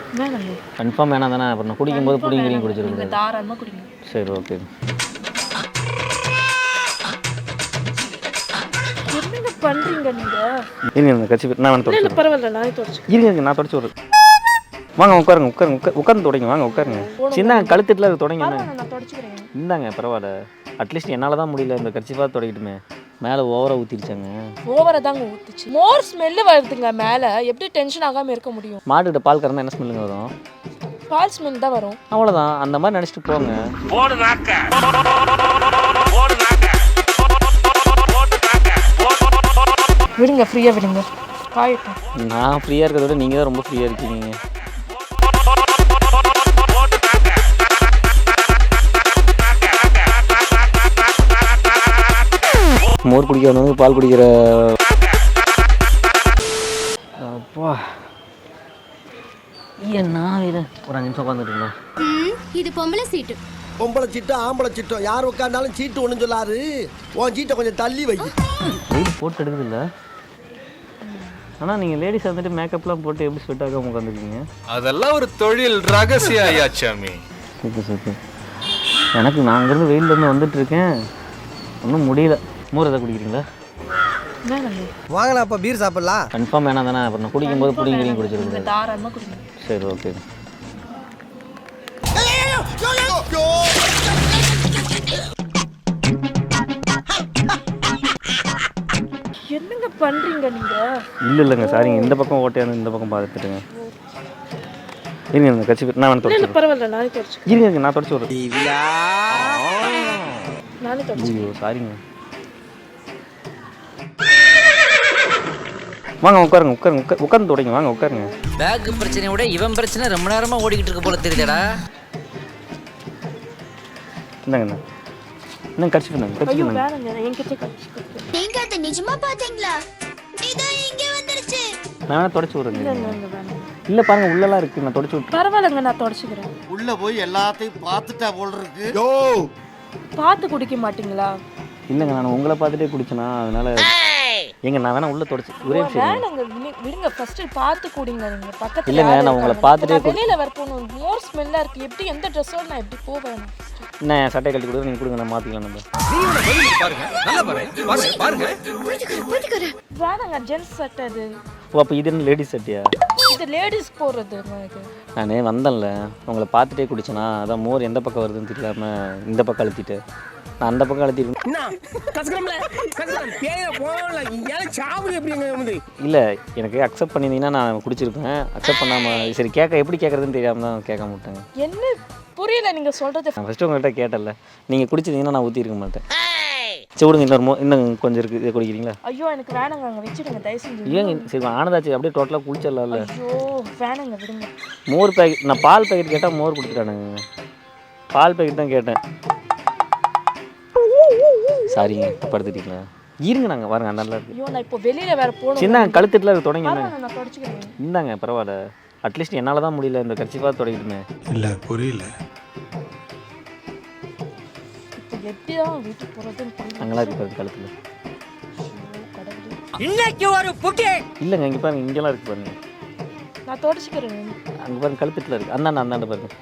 வேணாங்க. கன்ஃபார்ம் வேணாம் தானே? அப்புறம் நான் குடிக்கும்போது புடிங்கிறியும் குடிச்சிருக்கேன். தாராளமாக குடிங்க. சரி ஓகே. என்னங்க பண்ணுறீங்க நீங்கள்? இருங்க கட்சி நான் வந்து இல்லை பரவாயில்ல, நானே தொடச்சு. இருங்க நான் தொடச்சி விட்றேன். வாங்க உட்காருங்க உட்காந்து தொடங்க. வாங்க உட்காருங்க. சின்ன கழுத்துட்டுல அது தொடங்க. நான் தொடச்சிக்கிறேன். இந்தாங்க பரவாயில்ல. அட்லீஸ்ட் என்னால் தான் முடியல, இந்த கட்சிப்பாக தொடங்கிட்டுமே. மேலே ஓவராக ஊற்றிருச்சாங்க. ஓவராக தாங்க ஊற்றுச்சு. மோர் ஸ்மெல்லு வருதுங்க மேலே. எப்படி டென்ஷன் ஆகாமல் இருக்க முடியும்? மாட்டுக்கிட்ட பால் கறந்தா என்ன ஸ்மெல்லுங்க வரும்? பால் ஸ்மெல் தான் வரும். அவ்வளோதான். அந்த மாதிரி நினச்சிட்டு போங்க. விடுங்க, ஃப்ரீயாக விடுங்க. காயட்டும். நான் ஃப்ரீயாக இருக்கிறத விட நீங்கள் தான் ரொம்ப ஃப்ரீயாக இருக்கீங்க. மோர் குடிக்கிறவங்க பால் குடிக்கிற அப்பா என்ன இது? ஒரு 5 நிமிஷம் உட்காந்துட்டுங்களா? இது பொம்பளை சீட்டு. பொம்பளை சீட்டோ ஆம்பளை சீட்டோ யார் உட்காந்தாலும் சீட்டு ஒன்றும் சொல்லாரு. உன் சீட்டை கொஞ்சம் தள்ளி வை. வெயில் போட்டு எடுக்குது இல்லை? ஆனால் நீங்கள் லேடிஸ் வந்துட்டு மேக்கப்லாம் போட்டு எப்படி ஸ்வெட் ஆகாமல் உட்காந்துருக்கீங்க? அதெல்லாம் ஒரு தொழில் ரகசியம் ஐயாச்சாமி. Super super. எனக்கு நான் அங்கேருந்து வெயிலேருந்து வந்துட்டுருக்கேன், ஒன்றும் முடியல. மோர் எதாவது குடிக்கிறீங்களா? வாங்கலாம், அப்போ பீர் சாப்பிடலாம். கன்ஃபார்ம் வேணாம் தானே? அப்புறம் நான் குடிக்கும்போது புடிங்கிறியும் குடிச்சிருக்கேன். தாராளமாக குடிங்க. சரி ஓகே. என்னங்க பண்ணுறீங்க நீங்கள்? இல்லைங்க சாரிங்க, இந்த பக்கம் ஓட்டையான இந்த பக்கம் பார்த்துட்டுங்க. இருங்க கட்சி நான் வந்து இல்லை பரவாயில்ல, நானே தொடச்சு. இருங்க நான் தொடச்சி விட்றேன். நானே தொடச்சு. ஐயோ சாரிங்க. வாங்க உட்காந்து தொடங்க. வாங்க உட்காருங்க. பேக் பிரச்சனையை விட இவன் பிரச்சனை ரொம்ப நேரமா ஓடிக்கிட்டு இருக்க போல தெரியுதடா. இந்தாங்க இன்னும் கட்சி பண்ணாங்க. ஐயோ வேணாங்க, என்கிட்ட கட்சி. நீங்க அதை நிஜமா பாத்தீங்களா? இதோ இங்க வந்துருச்சு. நான் தொடச்சி விட்றேங்க. வேணாம். இல்லை பாருங்க உள்ளலாம் இருக்குது, நான் தொடச்சி விட்றேன். பரவாயில்லைங்க, நான் தொடச்சிக்கிறேன். உள்ள போய் எல்லாத்தையும் பார்த்துட்டா போல் இருக்கு. பார்த்து குடிக்க மாட்டீங்களா? இல்லைங்க நான் உங்களை பார்த்துட்டே குடிச்சேனா, அதனால எங்க நான் வேணா உள்ள தொடச்சி ஒரே விஷயம். வேணாங்க, விடுங்க. ஃபர்ஸ்ட் பார்த்து குடிங்க. நீங்க பக்கத்துல இல்லைங்க நான் உங்களை பார்த்துட்டே வெளியில வர போகணும். மோர் ஸ்மெல்லா இருக்கு. எப்படி எந்த ட்ரெஸ்ஸோட நான் எப்படி போவேன்? நான் என் சட்டை கழட்டி கொடுங்க, நீங்கள் கொடுங்க, நான் மாற்றிக்கலாம். நம்ம வேணாங்க, ஜென்ஸ் சட்டை அது. ஓ அப்போ இது என்ன லேடிஸ் சட்டையா? இது லேடிஸ் போடுறது. நான் வந்தேன்ல உங்களை பார்த்துட்டே குடிச்சேனா, அதான் மோர் எந்த பக்கம் வருதுன்னு தெரியலாம இந்த பக்கம் அழுத்திட்டு நான் அந்த பக்கம் அழுத்திருக்கேன். இல்லை எனக்கு அக்செப்ட் பண்ணியிருந்தீங்கன்னா நான் குடிச்சிருப்பேன். அக்செப்ட் பண்ணாமல் சரி எப்படி கேட்குறதுன்னு தெரியாமல் தான் கேட்க மாட்டேங்க. என்ன புரியல நீங்கள் சொல்கிறது? நான் ஃபஸ்ட்டு உங்கள்கிட்ட கேட்டல, நீங்கள் குடிச்சிருந்தீங்கன்னா நான் ஊற்றிருக்க மாட்டேன். சரி விடுங்க, இன்னும் கொஞ்சம் இருக்குது, இதை குடிக்கிறீங்களா? ஐயோ எனக்கு வேணாங்க, அங்கே வச்சுடுங்க தயவு செஞ்சு. ஏங்க சரி ஆனதாச்சு, அப்படியே டோட்டலாக குளிச்சிடலாம்ல. ஐயோ வேணாங்க, விடுங்க. மோர் பேக்கெட், நான் பால் பேக்கெட் கேட்டால் மோர் கொடுத்துட்டானுங்க. பால் பேக்கெட் தான் கேட்டேன். சாரிங்க படுத்துட்டீங்களா? இருங்க நாங்கள் பாருங்க நல்லா இருக்கு. ஐயோ நான் இப்போ வெளியில் வேறு போகணும். சின்ன கழுத்துட்டுல அது தொடங்க. நான் தொடச்சிக்கிறேன். இந்தாங்க பரவாயில்ல. அட்லீஸ்ட் என்னால் தான் முடியல, இந்த கட்சிப்பாக தொடங்கிட்டுமே. இல்லை புரியல. இப்போ எப்படி தான் வீட்டுக்கு போகிறதுன்னு புரியல. அங்கெல்லாம் இருக்கு பாருங்க கழுத்தில். இன்னைக்கு ஒரு புக்கே இல்லைங்க இங்கே பாருங்க, இங்கெல்லாம் இருக்கு பாருங்க. நான் தொடச்சிக்கிறேன். அங்கே பாருங்க கழுத்துட்டுல இருக்கு. அந்தாண்ட பாருங்க.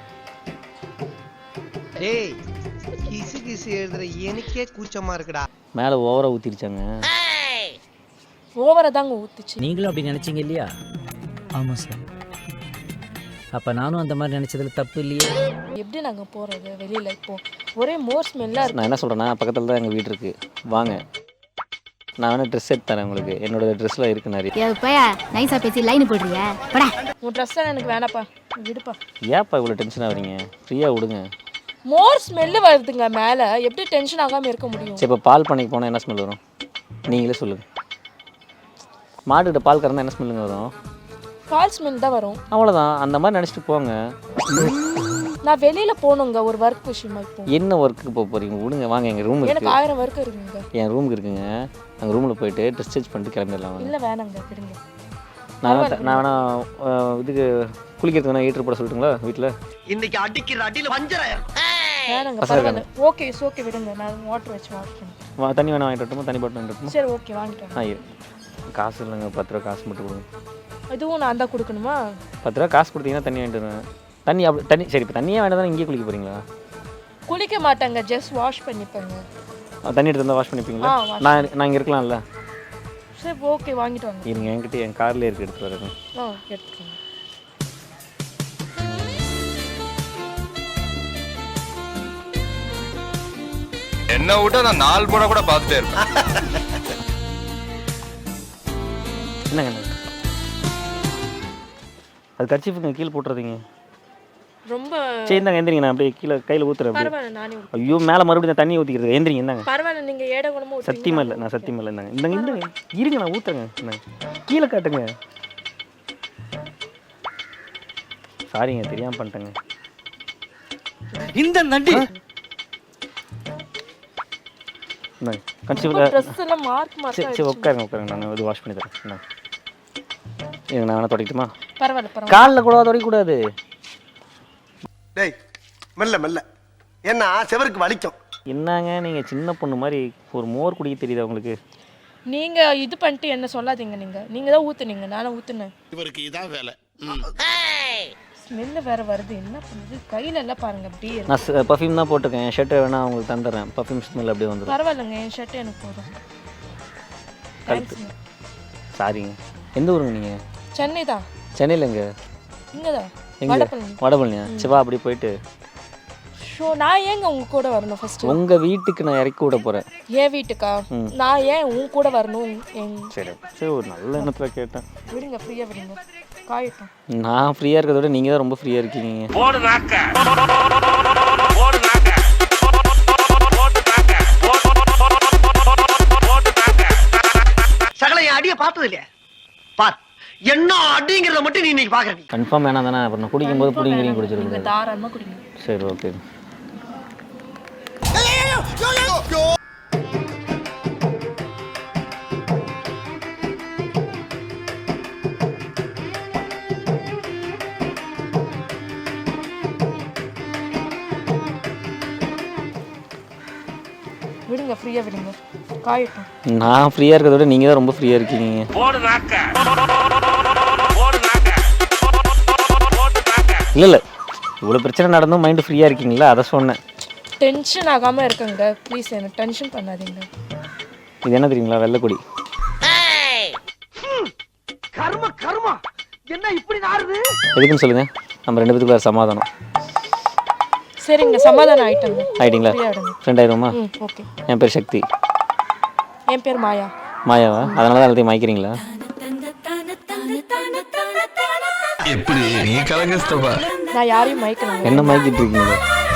டேய் கிசு எழுதுற எனக்கே கூச்சமா இருக்குடா. மேலே ஓவராக ஊற்றிருச்சாங்க. ஓவராக தாங்க ஊற்றுச்சு. நீங்களும் அப்படி நினைச்சீங்க இல்லையா? ஆமாம் சார். அப்போ நானும் அந்த மாதிரி நினச்சதுல தப்பு இல்லையா? எப்படி நாங்கள் போகிறது வெளியில்? இப்போ ஒரே மோர் ஸ்மெல்லாக இருக்கு. நான் என்ன சொல்கிறேன்னா, பக்கத்தில் தான் எங்கள் வீடு இருக்குது, வாங்க நான் வேணால் ட்ரெஸ் எடுத்து தரேன் உங்களுக்கு. என்னோட ட்ரெஸ்லாம் இருக்குது நிறைய. நைஸா பேசி லைன் போடுறியா? உன் ட்ரெஸ் எனக்கு வேணாப்பா, விடுப்பா. ஏன்ப்பா இவ்வளோ டென்ஷன் ஆகுறீங்க? ஃப்ரீயாக விடுங்க. மோர் ஸ்மெல்லு வருதுங்க மேலே. எப்படி டென்ஷன் ஆகாமல் இருக்க முடியும்? சரி இப்போ பால் பண்ணைக்கு போனால் என்ன ஸ்மெல் வரும் நீங்களே சொல்லுங்கள். மாட்டுக்கிட்ட பால் கறந்தால் என்ன ஸ்மெல்லுங்க வரும்? பால் ஸ்மெல் தான் வரும். அவ்வளோதான். அந்த மாதிரி நினச்சிட்டு போங்க. நான் வெளியில் போகணுங்க ஒரு ஒர்க் விஷயமா. இப்போ என்ன ஒர்க்குக்கு போக போகிறீங்க? விடுங்க வாங்க, எங்கள் ரூம் எனக்கு இருக்குது. 1000 ஒர்க் இருக்குங்க. என் ரூமுக்கு இருக்குங்க. அங்கே ரூமில் போயிட்டு ட்ரெஸ் சேஞ்ச் பண்ணிட்டு கிளம்பிடலாம். இல்லை வேணாங்க, விடுங்க. நான் வேணா இதுக்கு குளிக்கிறதுக்கு வேணா ஹீட்டர் போட சொல்லட்டுங்களா வீட்டில்? இன்னைக்கு அடிக்கிற அடியில் வஞ்சரம். வேணாங்க பரவாயில்ல. ஓகே ஓகே விடுங்க, நான் வாட்டர் வச்சு வாங்கிக்கிறேன். தண்ணி வேணா வாங்கிட்டு வரட்டுமா? தண்ணி பாட்டில் வாங்கிட்டு வரட்டுமா? சரி ஓகே வாங்கிட்டேன். காசு இல்லைங்க, 10 ரூபா காசு மட்டும் கொடுங்க. இதுவும் நான் தான் கொடுக்கணுமா? 10 ரூபா காசு கொடுத்தீங்கன்னா தண்ணி வாங்கிட்டு வருவேன். தண்ணி அப்படி தண்ணி சரி இப்போ தண்ணியே வேண்டாம் தானே இங்கேயே குளிக்க போகிறீங்களா? குளிக்க மாட்டாங்க, ஜஸ்ட் வாஷ் பண்ணிப்பேங்க. தண்ணி எடுத்து வந்தால் வாஷ் பண்ணிப்பீங்களா? wash நான் இங்கே இருக்கலாம்ல. சரி ஓகே, வாங்கிட்டு வாங்க. இருங்க, என்கிட்ட என் கார்லேயே இருக்குது, எடுத்து வரேன். எடுத்துக்கோங்க. என்ன விட்டா நான் 4 போட கூட பார்த்துட்டே இருப்பேன். என்னங்க அது கர்ச்சீஃபுங்க கீழே போட்டுறதீங்க. ரொம்ப சரி இந்தாங்க எந்திரிங்க, நான் அப்படியே கீழே கையில் ஊற்றுறேன். பரவாயில்ல, நானே ஐயோ மேலே மறுபடியும் தண்ணி ஊற்றிக்கிறது. எந்திரிங்க இந்தாங்க. பரவாயில்ல, நீங்க ஏட குணமும் சத்தியமாக இல்லை, நான் சத்தியமாக இல்லை. இந்தாங்க இந்தாங்க இருங்க, நான் ஊற்றுறேங்க. இந்தாங்க கீழே காட்டுங்க. சாரிங்க, தெரியாமல் பண்ணிட்டேங்க. இந்த நண்டி இந்தாங்க கர்ச்சீஃபில். ட்ரெஸ் எல்லாம் மார்க் சரி உட்காருங்க, நான் இது வாஷ் பண்ணி தரேன். இந்தாங்க இருங்க, நான் வேணா தொடக்கட்டுமா? பரவாயில்ல. காலில் கூட தொடக்கக்கூடாது. டேய் மெல்ல மெல்ல, என்ன செவருக்கு வலிக்கும். என்னங்க நீங்கள் சின்ன பொண்ணு மாதிரி ஒரு மோர் குடிக்க தெரியுதா உங்களுக்கு? நீங்க இது பண்ணிட்டு என்ன சொல்லாதீங்க. நீங்க தான் ஊத்துனீங்க, நானும் ஊத்துனேன். இவருக்கு இதான் வேலை. ஸ்மெல்லு வேற வருது, என்ன பண்ணுது? கையில எல்லாம் பாருங்க அப்படியே இருக்கு. நான் பர்ஃப்யூம் தான் போட்டிருக்கேன். என் ஷர்ட்டை வேணா உங்களுக்கு தந்துடுறேன். பர்ஃப்யூம் ஸ்மெல் அப்படியே வந்துடும். பரவாயில்லைங்க, என் ஷர்ட் எனக்கு போதும். தேங்க்ஸ்ங்க. சாரிங்க. எந்த ஊருங்க நீங்கள்? சென்னை தான். சென்னையில் எங்க? இங்கே தான், எங்கே? வடபழனி. வடபழனியா? சிவா அப்படி போயிட்டு நான் ஏங்க உங்க கூட வரணும்? ஃபர்ஸ்ட் உங்கள் வீட்டுக்கு நான் இறக்கி விட போகிறேன். என் வீட்டுக்கா? நான் ஏன் உன் கூட வரணும்? சரி சரி, ஒரு நல்ல எண்ணத்தில் கேட்டேன். விடுங்க, ஃப்ரீயா விடுங்க, காயட்டும். நான் ஃப்ரீயாக இருக்கிறத விட நீங்கள் தான் ரொம்ப ஃப்ரீயாக இருக்கீங்க. சகல என் அடியை பார்த்தது இல்லையா? பார் என்ன அடிங்கிறத மட்டும் நீ இன்னைக்கு பாக்குற. கன்ஃபார்ம் வேணாம் தானே? அப்புறம் நான் குடிக்கும்போது புடிங்கிறீங்க குடிச்சிருக்கேன். தாராளமாக குடிங்க. சரி ஓகே. விடுங்க, ஃப்ரீயா விடுங்க, காயட்டும். நான் ஃப்ரீயாக இருக்கிறத விட நீங்கள் தான் ரொம்ப ஃப்ரீயாக இருக்கீங்க. இல்லை இல்லை, இவ்வளோ பிரச்சனை நடந்தும் மைண்டு ஃப்ரீயாக இருக்கீங்களா, அதை சொன்னேன். டென்ஷன் ஆகாமல் இருக்குங்க ப்ளீஸ், என்ன டென்ஷன் பண்ணாதீங்க. இது என்ன தெரியுங்களா? வெள்ளைக்கொடி. கர்ம கர்மா என்ன இப்படி நாறுது? எதுக்குன்னு சொல்லுங்கள், நம்ம 2 பேத்துக்குள்ள சமாதானம். சரிங்க, சமாதானம் ஆயிட்டங்க. ஆயிட்டீங்களா? ஃப்ரெண்ட் ஆயிடுவோமா? ஓகே. என் பேர் சக்தி. என் பேர் மாயா. மாயாவா? அதனால தான் எல்லாத்தையும் மாய்க்கிறீங்களா? எப்படி நீ கலங்கஸ்தபா? நான் யாரையும் மயக்கணும். என்ன மாய்க்கிட்டு இருக்கீங்க?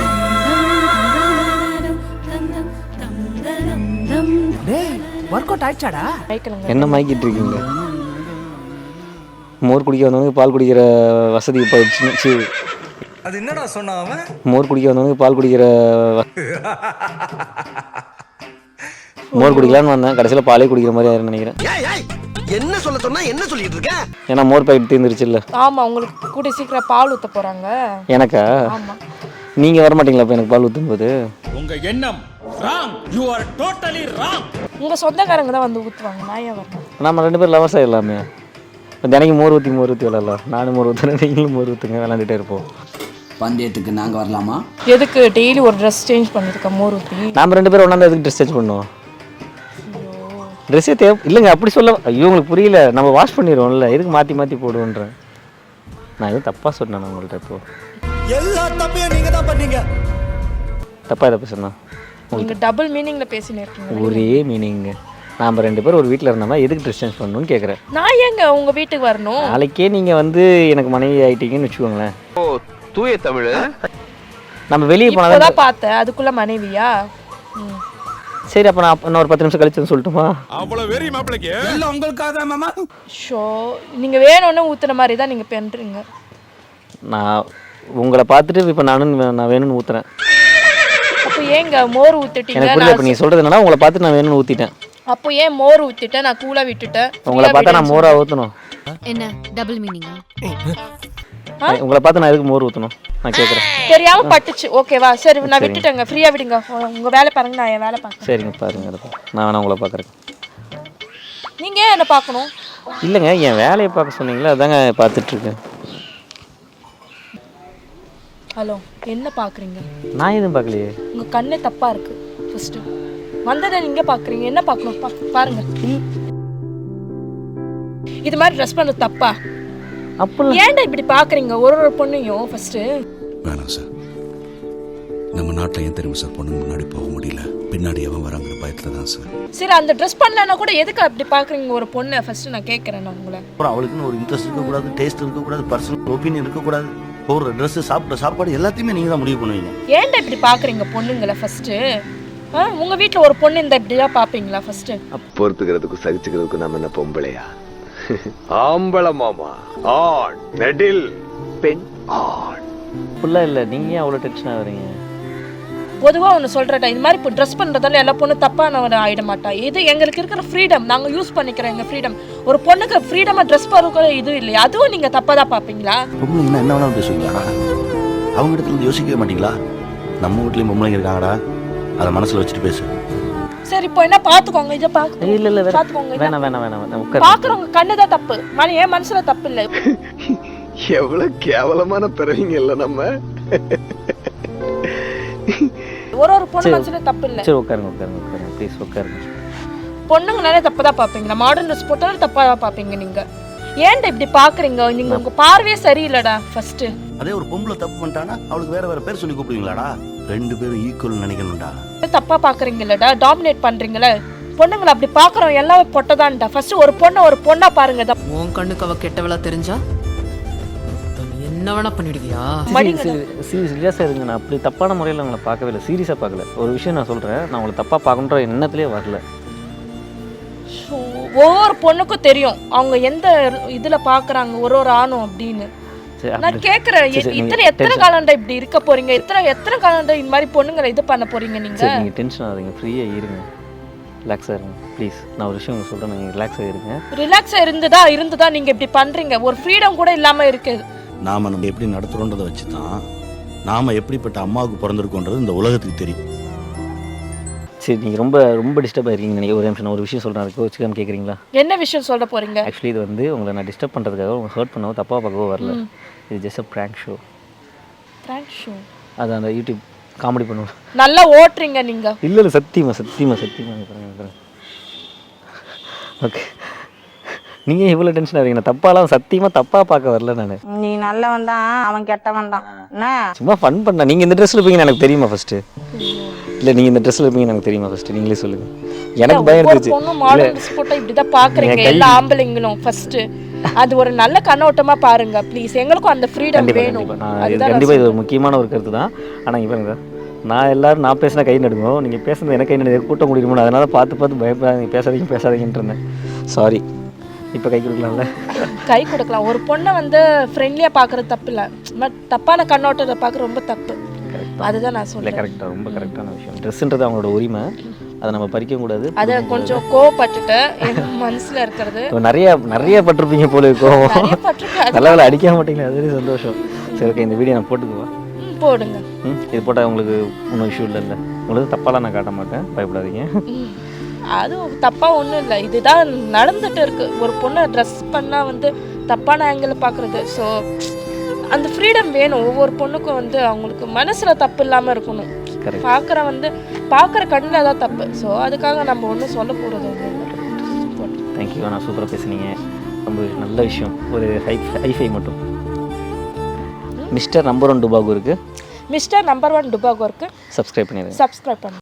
ஒர்க் அவுட் ஆயிடுச்சாடா? மயக்கணுங்க. என்ன மாய்க்கிட்டு இருக்கீங்க? மோர் குடிக்க வந்தவங்க பால் குடிக்கிற வசதி போயிடுச்சு. அது என்னடா சொன்னா அவன்? மோர் குடிக்க வந்தவங்க பால் குடிக்கிற மோர் குடிக்கலான்னு வந்தேன், கடைசியில் பாலே குடிக்கிற மாதிரி ஆயிருன்னு நினைக்கிறேன். என்ன சொல்ல சொன்னா என்ன சொல்லிட்டு இருக்க? ஏன்னா மோர் பாக்கெட் தீர்ந்துருச்சு இல்லை? ஆமா, உங்களுக்கு கூட சீக்கிரம் பால் ஊத்த போறாங்க. எனக்கா? ஆமா. நீங்கள் வர மாட்டீங்களா இப்போ எனக்கு பால் ஊற்றும் போது? உங்க எண்ணம் wrong. You are totally wrong. உங்க சொந்தக்காரங்க தான் வந்து ஊத்துவாங்க, நான் ஏன் வரணும்? நம்ம 2 பேரும் லவர்ஸ் ஆகிடலாமே. இப்போ தினைக்கு மோர் ஊற்றி விளாட்லாம். நானும் மோர் ஊற்றுறேன், நீங்களும் மோர் ஊற்றுங்க, விளாண்டுட்டே இருப்போம். பந்தயத்துக்கு நாங்கள் வரலாமா? எதுக்கு டெய்லி ஒரு ட்ரெஸ் சேஞ்ச் பண்ணிருக்க மோர் ஊற்றி? நாம் 2 பேரும் ஒன்றா எதுக்கு ட்ரெஸ் சேஞ்ச் பண்ணுவோம்? ட்ரெஸ்ஸே தேவை இல்லைங்க, அப்படி சொல்ல. ஐயோ உங்களுக்கு புரியல, நம்ம வாஷ் பண்ணிடுவோம்ல, எதுக்கு மாற்றி மாற்றி போடுவோன்றேன். நான் எதுவும் தப்பாக சொன்னேன் உங்கள்கிட்ட? இப்போ எல்லா தப்பையும் நீங்க தான் பண்ணீங்க. தப்பாக எதை பேசுனா? நீங்க டபுள் மீனிங்ல பேசினே இருக்கீங்க. ஒரே மீனிங்க. நாம் 2 பேரும் ஒரு வீட்டில் இருந்தோம்னா எதுக்கு ட்ரெஸ் சேஞ்ச் பண்ணணும்னு கேட்குறேன். நான் ஏங்க உங்க வீட்டுக்கு வரணும்? நாளைக்கே நீங்கள் வந்து எனக்கு மனைவி ஆகிட்டீங்கன்னு வச்சுக்கோங்களேன். ஓ தூய தமிழ். நம்ம வெளியே போனால் இப்போதான் பார்த்தேன், அதுக்குள்ள மனைவியா? சரி, அப்போ நான் இன்னும் ஒரு 10 நிமிஷம் கழிச்சு சொல்லட்டுமா? அவ்வளவு வெறி மாப்பிளைக்கு இல்ல உங்களுக்காக தான் மாமா. ஷோ, நீங்க வேணும்னு ஊத்துன மாதிரி தான் நீங்க பண்றீங்க. நான் உங்களை பார்த்துட்டு இப்போ நான் வேணும்னு ஊற்றுறேன். அப்போ ஏங்க மோர் ஊத்திட்டீங்க? எனக்கு புரியல. இப்போ நீ சொல்கிறது என்னன்னா, உங்களை பார்த்து நான் வேணும்னு ஊற்றிட்டேன். அப்போ ஏன் மோர் ஊத்திட்டேன்? நான் கூலா விட்டுட்டேன். உங்களை பார்த்தா நான் மோரா ஊற்றணும்? என்ன டபுள் மீனிங்கா? உங்களை பார்த்து நான் எதுக்கு மோர் ஊற்றணும் நான் கேட்குறேன். தெரியாம பட்டுச்சு. ஓகேவா? சரி, நான் விட்டுட்டேங்க, ஃப்ரீயா விடுங்க. உங்க வேலை பாருங்க, நான் என் வேலை பார்க்கறேன். சரிங்க, பாருங்க. நான் வேணா உங்களை பார்க்குறேன். நீங்க ஏன் என்ன பார்க்கணும்? இல்லைங்க, என் வேலையை பார்க்க சொன்னீங்களா, அதாங்க பார்த்துட்ருக்கேன். ஹலோ, என்ன பார்க்குறீங்க? நான் எதுவும் பார்க்கலையே. உங்கள் கண்ணே தப்பாக இருக்குது. ஃபஸ்ட்டு வந்ததை நீங்கள் பார்க்குறீங்க, என்ன பார்க்கணும்? பாருங்க. இது மாதிரி ட்ரெஸ் பண்ணுறது தப்பா? அப்போ ஏன்டா இப்படி பார்க்குறீங்க ஒரு பொண்ணையும்? ஃபஸ்ட்டு வேணாம் சார். நம்ம நாட்டில் ஏன் தெரியும் சார் பொண்ணுங்க முன்னாடி போக முடியல, பின்னாடி எவன் வராங்கிற பயத்தில் தான் சார். சரி, அந்த ட்ரெஸ் பண்ணலன்னா கூட எதுக்கு அப்படி பார்க்குறீங்க ஒரு பொண்ணை? ஃபஸ்ட்டு நான் கேட்குறேன் நான் உங்களை. அப்புறம் அவளுக்குன்னு ஒரு இன்ட்ரெஸ்ட் இருக்கக்கூடாது, டேஸ்ட் இருக்கக்கூடாது, பர்சனல் ஒப்பீனியன் இருக்கக்கூடாது. ஒரு ட்ரெஸ்ஸு, சாப்பிட்ற சாப்பாடு எல்லாத்தையுமே நீங்கள் தான் முடிவு பண்ணுவீங்க. ஏன்டா இப்படி பார்க்குறீங்க பொண்ணுங்களை? ஃபஸ்ட்டு உங்கள் வீட்டில் ஒரு பொண்ணு இந்த இப்படிதான் பார்ப்பீங்களா? ஃபஸ்ட்டு பொறுத்துக்கிறதுக்கும் சகிச்சுக்கிறதுக்கும் நம்ம என்ன பொம்பளையா? ஆம்பளை மாமா, ஆண் நெடில், பெண் ஆண். ஃபுல்லாக இல்லை, நீங்கள் ஏன் அவ்வளோ டென்ஷனாக வரீங்க? பொதுவாக ஒன்று சொல்கிறேன், இது மாதிரி இப்போ ட்ரெஸ் பண்ணுறதால எல்லா பொண்ணும் தப்பானவன் ஆகிட மாட்டா. இது எங்களுக்கு இருக்கிற ஃப்ரீடம், நாங்கள் யூஸ் பண்ணிக்கிறோம் எங்கள் ஃப்ரீடம். ஒரு பொண்ணுக்கு ஃப்ரீடமாக ட்ரெஸ் பண்ணுற இது இல்லையா? அதுவும் நீங்கள் தப்பாக தான் பார்ப்பீங்களா? பொம்பளைங்கன்னா என்ன வேணாலும் பேசுவீங்களா? அவங்க இடத்துல யோசிக்கவே மாட்டீங்களா? நம்ம வீட்லேயும் பொம்பளைங்க இருக்காங்கடா, அதை மனசில் வச்சுட்டு பேசு. சரி, இப்போ என்ன பார்த்துக்கோங்க, இதை பார்த்து இல்லை இல்லை பார்த்துக்கோங்க. வேணாம் வேணாம் வேணாம் உட்கார். பார்க்குறவங்க கண்ணு தான் தப்பு, என் மனசில் தப்பு இல்லை. எவ்வளவு கேவலமான பிறவிங்க இல்ல நம்ம. ஒரு பொண்ணு மனசுல தப்பு இல்லை. சரி உட்காருங்க உட்காருங்க உட்காருங்க ப்ளீஸ் உட்காருங்க. பொண்ணுங்கனாலே தப்பு தான் பார்ப்பீங்களா? மாடர்ன் ட்ரெஸ் போட்டாலும் தப்பாக தான் பார்ப்பீங்க நீங்கள். ஏன்டா இப்படி பார்க்குறீங்க? நீங்கள் உங்கள் பார்வையே சரியில்லைடா. ஃபஸ்ட்டு அதே ஒரு பொம்பளை தப்பு பண்ணிட்டானா அவளுக்கு வேற வேற பேர் சொல்லி கூப்பிடுவீங்களாடா? ரெண்டு பேரும் ஈக்குவல் நினைக்கணும்டா. தப்பாக பார்க்குறீங்களடா, டாமினேட் பண்ணுறீங்களே பொண்ணுங்களை. அப்படி பார்க்குறோம் எல்லாமே பொட்டதான்டா. ஃபஸ்ட்டு ஒரு பொண்ணா பாருங்க. உன் கண்ணுக்கு அவ கெட்டவளா தெரிஞ்சா என்ன வேணா பண்ணிடுவியா? சீரியஸாக இருங்க. நான் அப்படி தப்பான முறையில் உங்களை பார்க்கவே இல்லை, சீரியஸாக பார்க்கல. ஒரு விஷயம் நான் சொல்கிறேன், நான் உங்களை தப்பாக பார்க்கணுன்ற எண்ணத்துலேயே வரல. ஒவ்வொரு பொண்ணுக்கும் தெரியும் அவங்க எந்த இதில் பார்க்குறாங்க ஒரு ஆணும் அப்படின்னு. நான் கேட்குறேன், எத்தனை காலண்டா இப்படி இருக்க போறீங்க? எத்தனை காலண்டா இந்த மாதிரி பொண்ணுங்களை இது பண்ண போறீங்க நீங்கள்? நீங்கள் டென்ஷன் ஆகுறீங்க, ஃப்ரீயாக இருங்க, ரிலாக்ஸாக இருங்க ப்ளீஸ். நான் ஒரு விஷயம் சொல்கிறேன், நீங்கள் ரிலாக்ஸாக இருங்க. ரிலாக்ஸாக இருந்துதா நீங்கள் இப்படி பண்ணுறீங்க? ஒரு ஃப்ரீடம் கூட இல்லாமல் இருக்குது. நாம் நம்ம எப்படி நடத்துகிறோன்றதை வச்சு தான் நாம் எப்படிப்பட்ட அம்மாவுக்கு பிறந்திருக்கோன்றது இந்த உலகத்துக்கு தெரியும். சரி, நீங்கள் ரொம்ப ரொம்ப டிஸ்டர்ப் ஆகிருக்கீங்க நினைக்கிறேன். ஒரு நிமிஷம் நான் ஒரு விஷயம் சொல்கிறேன், அதுக்கு வச்சுக்காம கேட்குறீங்களா? என்ன விஷயம் சொல்ல போகிறீங்க? ஆக்சுவலி இது வந்து உங்களை நான் டிஸ்டர்ப் பண்ணுறதுக்காக உங்களை ஹர்ட் பண்ணவோ தப்பாக பார்க்கவோ வரல. இது just a prank show. Prank show? அது அந்த யூடியூப் காமெடி பண்ணுவோம். நல்லா ஓட்டுறீங்க நீங்கள். இல்லை சத்தியமாக ஓகே. நீங்கள் இவ்வளோ டென்ஷன் ஆகிறீங்க. நான் தப்பாக பார்க்க வரல. நான் நீ நல்லவன் தான், அவன் கெட்டவன் தான். என்ன சும்மா ஃபன் பண்ண. நீங்கள் இந்த ட்ரெஸ்ஸில் இருப்பீங்கன்னு எனக்கு தெரியுமா ஃபஸ்ட்டு? இல்லை, நீங்கள் இந்த ட்ரெஸ்ஸில் இருப்பீங்கன்னு எனக்கு தெரியுமா ஃபஸ்ட்டு? நீங்களே சொல்லுங்கள். எனக்கு பயம் இருந்துச்சு. பொண்ணு மாடர்ன் ட்ரெஸ் போட்டால் இப்படி தான் பார்க்குறீங்க எல்லா ஆம்பளைங்களும். ஃபஸ்ட்டு அது ஒரு நல்ல கண்ணோட்டமாக பாருங்க ப்ளீஸ். எங்களுக்கும் அந்த ஃப்ரீடம் வேணும். கண்டிப்பாக இது ஒரு முக்கியமான ஒரு கருத்து தான். ஆனால் இங்கே பாருங்க, நான் பேசினா கை நடுங்கும், நீங்கள் பேசுறது எனக்கு கை நடுங்க, கூட்டம் முடியுமோ, அதனால பார்த்து பயப்படாதீங்க, பேசாதீங்கன்ட்டு இருந்தேன். சாரி. இப்போ கை கொடுக்கலாம்ல? கை கொடுக்கலாம். ஒரு பொண்ணை வந்து ஃப்ரெண்ட்லியாக பார்க்குறது தப்பு இல்லை, பட் தப்பான கண்ணோட்டத்தை பார்க்க ரொம்ப தப்பு. அதுதான் நான் சொல்கிறேன். கரெக்டாக, ரொம்ப கரெக்டான விஷயம். ட்ரெஸ்ஸுன்றது அவங்களோட உரிமை, அதை நம்ம பறிக்கவும் கூடாது. அதை கொஞ்சம் கோவப்பட்டுட்டு என் மனசில் இருக்கிறது நிறைய பட்டிருப்பீங்க போல கோவம். நல்ல அடிக்க மாட்டீங்களா? அதுவே சந்தோஷம். சரி ஓகே, இந்த வீடியோ நான் போட்டுக்குவா? போடுங்க. இது போட்டால் உங்களுக்கு ஒன்றும் இஷ்யூ இல்லை. உங்களுக்கு தப்பாலாம் நான் காட்ட மாட்டேன், பயப்படாதீங்க. அதுவும் தப்பாக ஒன்றும் இல்லை, இதுதான் நடந்துட்டு இருக்கு. ஒரு பொண்ணை ட்ரெஸ் பண்ணால் வந்து தப்பான ஆங்கிள் பார்க்குறது. ஸோ அந்த ஃப்ரீடம் வேணும் ஒவ்வொரு பொண்ணுக்கும். வந்து அவங்களுக்கு மனசில் தப்பு இல்லாமல் இருக்கணும். பார்க்குற கண்ணில் தான் தப்பு. ஸோ அதுக்காக நம்ம ஒன்றும் சொல்ல போகிறது ஒன்று. தேங்க்யூ, நான் சூப்பராக பேசுனீங்க. ரொம்ப நல்ல விஷயம். ஒரு ஹைஃபை மட்டும். மிஸ்டர் நம்பர் 1 டுபாகோ இருக்குது. மிஸ்டர் நம்பர் 1 டுபாகோ இருக்குது. சப்ஸ்கிரைப் பண்ணி